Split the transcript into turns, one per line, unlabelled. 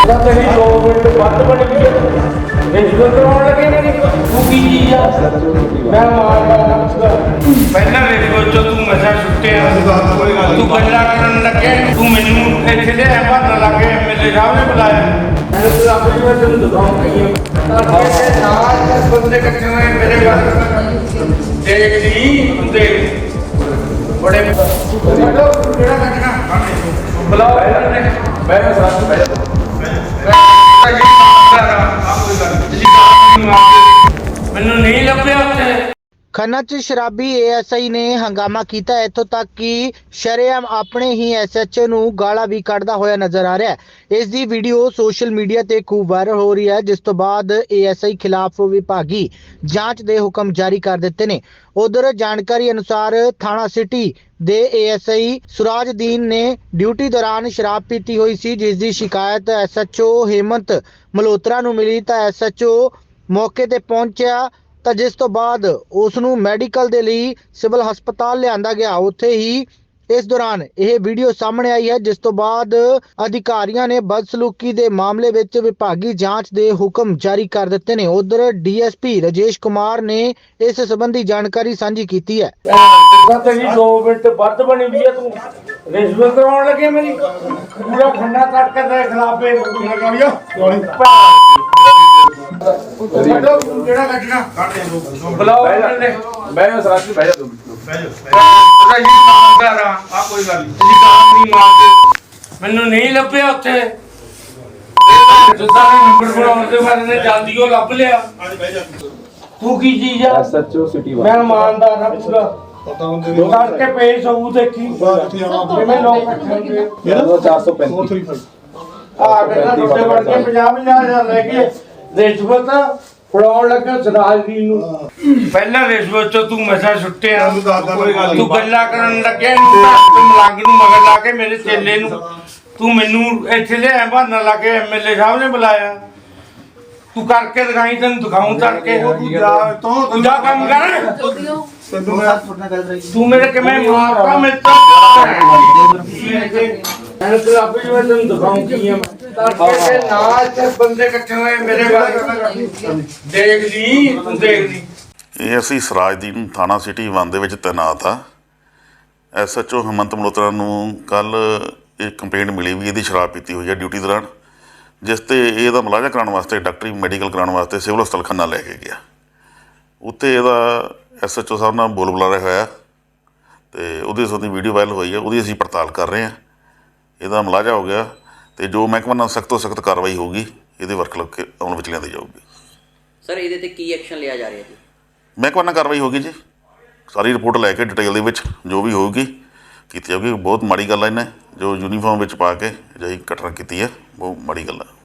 तेरी 2 मिनट बंद बन गई रिश्वत करवाने लगे मेरी तू की चीज आ मैं मारदा पहला रिश्वत जो तू नशा छुट्टे तू गल्ला करन लगे तू मैनू इत्थे ले भरन लगे एमएलए साहब ने बुलाया मैं तो अपनी मैं तेन दिखाऊंगा ये नाल बंदे इकट्ठे हुए मेरे घर देख ली देख बड़े बड़ो केड़ा कटना बुलाओ मैं साथ बैठ ਮੈਨੂੰ ਨਹੀਂ ਲੱਭਿਆ ਉੱਥੇ।
ਖੰਨਾ 'ਚ ਸ਼ਰਾਬੀ ਏਐਸਆਈ ਨੇ ਹੰਗਾਮਾ ਕੀਤਾ ਇੱਥੋਂ ਤੱਕ ਕਿ ਸ਼ਰੇਆਮ ਆਪਣੇ ਹੀ ਐਸਐਚਓ ਨੂੰ ਗਾਲਾਂ ਵੀ ਕੱਢਦਾ ਹੋਇਆ ਨਜ਼ਰ ਆ ਰਿਹਾ ਹੈ। ਇਸ ਦੀ ਵੀਡੀਓ ਸੋਸ਼ਲ ਮੀਡੀਆ ਤੇ ਖੂਬ ਵਾਇਰਲ ਹੋ ਰਹੀ ਹੈ, ਜਿਸ ਤੋਂ ਬਾਅਦ ਏਐਸਆਈ ਖਿਲਾਫ ਵਿਭਾਗੀ ਜਾਂਚ ਦੇ ਹੁਕਮ ਜਾਰੀ ਕਰ ਦਿੱਤੇ ਨੇ। ਉਧਰ ਜਾਣਕਾਰੀ ਅਨੁਸਾਰ ਥਾਣਾ ਸਿਟੀ ਦੇ ਏਐਸਆਈ ਸੁਰਾਜਦੀਨ ਨੇ ਡਿਊਟੀ ਦੌਰਾਨ ਸ਼ਰਾਬ ਪੀਤੀ ਹੋਈ ਸੀ, ਜਿਸ ਦੀ ਸ਼ਿਕਾਇਤ ਐਸਐਚਓ ਹੇਮੰਤ ਮਲਹੋਤਰਾ ਨੂੰ ਮਿਲੀ ਤਾਂ ਐਸਐਚਓ ਮੌਕੇ ਤੇ ਪਹੁੰਚਿਆ ਤਾਂ ਜਿਸ ਤੋਂ ਬਾਅਦ ਉਸ ਨੂੰ ਮੈਡੀਕਲ ਦੇ ਲਈ ਸਿਵਲ ਹਸਪਤਾਲ ਲਿਆਂਦਾ ਗਿਆ। ਉੱਥੇ ਹੀ ਇਸ ਦੌਰਾਨ ਇਹ ਵੀਡੀਓ ਸਾਹਮਣੇ ਆਈ ਹੈ, ਜਿਸ ਤੋਂ ਬਾਅਦ ਅਧਿਕਾਰੀਆਂ ਨੇ ਬਦਸਲੂਕੀ ਦੇ ਮਾਮਲੇ ਵਿੱਚ ਵਿਭਾਗੀ ਜਾਂਚ ਦੇ ਹੁਕਮ ਜਾਰੀ ਕਰ ਦਿੱਤੇ ਨੇ। ਉਧਰ ਡੀਐਸਪੀ ਰਾਜੇਸ਼ ਕੁਮਾਰ ਨੇ ਇਸ ਸੰਬੰਧੀ ਜਾਣਕਾਰੀ ਸਾਂਝੀ ਕੀਤੀ ਹੈ।
तेरी 2 मिनट बंद बनी हुई है तू रिश्वत करवाने लगे मेरी पूरा खन्ना काट के तेरे खिलाफ केड़ा कटना बुलाओ मैं साथ में बैठ ਮੈਨੂੰ ਨਹੀਂ ਲੱਭਿਆ ਉੱਥੇ ਜਿੱਦਾਂ ਨੰਬਰ ਬਣਾਉਣ ਦੇ ਬਾਰੇ ਨੇ ਜਲਦੀ ਉਹ ਲੱਭ ਲਿਆ ਤੂੰ ਕੀ ਚੀਜ਼ ਆ
ਐਸਐਚਓ ਸਿਟੀ
ਮੈਂ ਇਮਾਨਦਾਰ ਨਾ ਪੂਰਾ ਕਰਕੇ ਪੇਸ਼ ਹੋਊ ਦੇਖੀ ਕਿਵੇਂ ਲੋਕ ਇਕੱਠੇ
ਮੇਰਾ 435
ਆ ਕੇ ਟੁੱਟੇ ਵੜ ਕੇ 50,000 ਲੈ ਕੇ ਰਿਸ਼ਵਤ ਫੜਾਉਣ ਲੱਗਾ ਸਰਾਜਦੀਨ ਨੂੰ ਪਹਿਲਾਂ ਰਿਸ਼ਵਤ ਚੋਂ ਤੂੰ ਨਸ਼ਾ ਛੁੱਟਿਆ ਤੂੰ ਗੱਲਾਂ ਕਰਨ ਲੱਗਿਆ ਤੂੰ ਮਲੰਗ ਨੂੰ ਮਗਰ ਲਾ ਕੇ ਮੇਰੇ ਚੇਲੇ ਨੂੰ ਤੂੰ ਮੈਨੂੰ ਇੱਥੇ ਲਿਆ ਬਹਾਨਾ ਲਾ ਕੇ ਐਮਐਲਏ ਸਾਹਿਬ ਨੇ ਬੁਲਾਇਆ ਤੂੰ ਕਰਕੇ ਦਿਖਾਈ ਤੈਨੂੰ ਦਿਖਾਉਂ ਤੜਕੇ ਤੂੰ ਜਾ ਕੰਮ ਕਰ ਤੂੰ ਮੇਰੇ ਕਿਵੇਂ ਮਾਰਦਾ ਮੈਂ ਤਾਂ ਆਪੇ ਮੈਂ ਤੈਨੂੰ ਦਿਖਾਉਂ ਕੀ ਆ ਤੜਕੇ ਤੇ ਨਾਲ ਤੇ ਬੰਦੇ ਇਕੱਠੇ ਹੋਏ ਮੇਰੇ ਬਾਰੇ ਦੇਖ ਲਈ ਤੂੰ ਦੇਖ ਲਈ
ਇਹ ਅਸੀਂ ਸਰਾਜਦੀਨ ਥਾਣਾ ਸਿਟੀ 1 ਦੇ ਵਿੱਚ ਤੈਨਾਤ ਆ। ਐਸਐਚਓ ਹੇਮੰਤ ਮਲਹੋਤਰਾ ਨੂੰ ਕੱਲ ਇਹ ਕੰਪਲੇਂਟ ਮਿਲੀ ਵੀ ਇਹਦੀ ਸ਼ਰਾਬ ਪੀਤੀ ਹੋਈ ਹੈ ਡਿਊਟੀ ਦੌਰਾਨ, ਜਿਸ ਤੇ ਇਹਦਾ ਮੁਲਾਜ਼ਾ ਕਰਾਉਣ ਵਾਸਤੇ ਡਾਕਟਰੀ ਮੈਡੀਕਲ ਕਰਾਉਣ ਵਾਸਤੇ ਸਿਵਲ ਹਸਪਤਾਲ ਖੰਨਾ ਲੈ ਕੇ ਗਿਆ। ਉੱਥੇ ਇਹਦਾ ਐਸਐਚਓ ਸਾਹਿਬ ਨਾਲ ਬੋਲ ਬੁਲਾਰਾ ਹੋਇਆ ਤੇ ਉਹਦੇ ਸੰਬੰਧੀ ਵੀਡੀਓ ਵਾਇਰਲ ਹੋਈ ਹੈ, ਉਹਦੀ ਅਸੀਂ ਪੜਤਾਲ ਕਰ ਰਹੇ ਹਾਂ। ਇਹਦਾ ਮੁਲਾਜ਼ਾ ਹੋ ਗਿਆ ਤੇ ਜੋ ਮਹਿਕਮੇ ਨਾਲ ਸਖਤ ਤੋਂ ਸਖਤ ਕਾਰਵਾਈ ਹੋਊਗੀ ਇਹਦੇ ਵਰਕ ਲੱਗ ਕੇ ਅਮਲ ਵਿੱਚ ਲਿਆਂਦੀ ਜਾਊਗੀ।
ਸਰ ਇਹਦੇ ਤੇ ਕੀ ਐਕਸ਼ਨ ਲਿਆ ਜਾ ਰਿਹਾ ਜੀ?
ਮਹਿਕਮੇ ਨਾਲ ਕਾਰਵਾਈ ਹੋਊਗੀ ਜੀ, ਸਾਰੀ ਰਿਪੋਰਟ ਲੈ ਕੇ ਡਿਟੇਲ ਦੇ ਵਿੱਚ ਜੋ ਵੀ ਹੋਊਗੀ ਕੀਤੀ ਜਾਊਗੀ। ਬਹੁਤ ਮਾੜੀ ਗੱਲ ਹੈ ਇਹਨੇ ਜੋ ਯੂਨੀਫਾਰਮ ਵਿੱਚ ਪਾ ਕੇ ਅਜਿਹੀ ਘਟਨਾ ਕੀਤੀ ਹੈ, ਬਹੁਤ ਮਾੜੀ ਗੱਲ ਹੈ।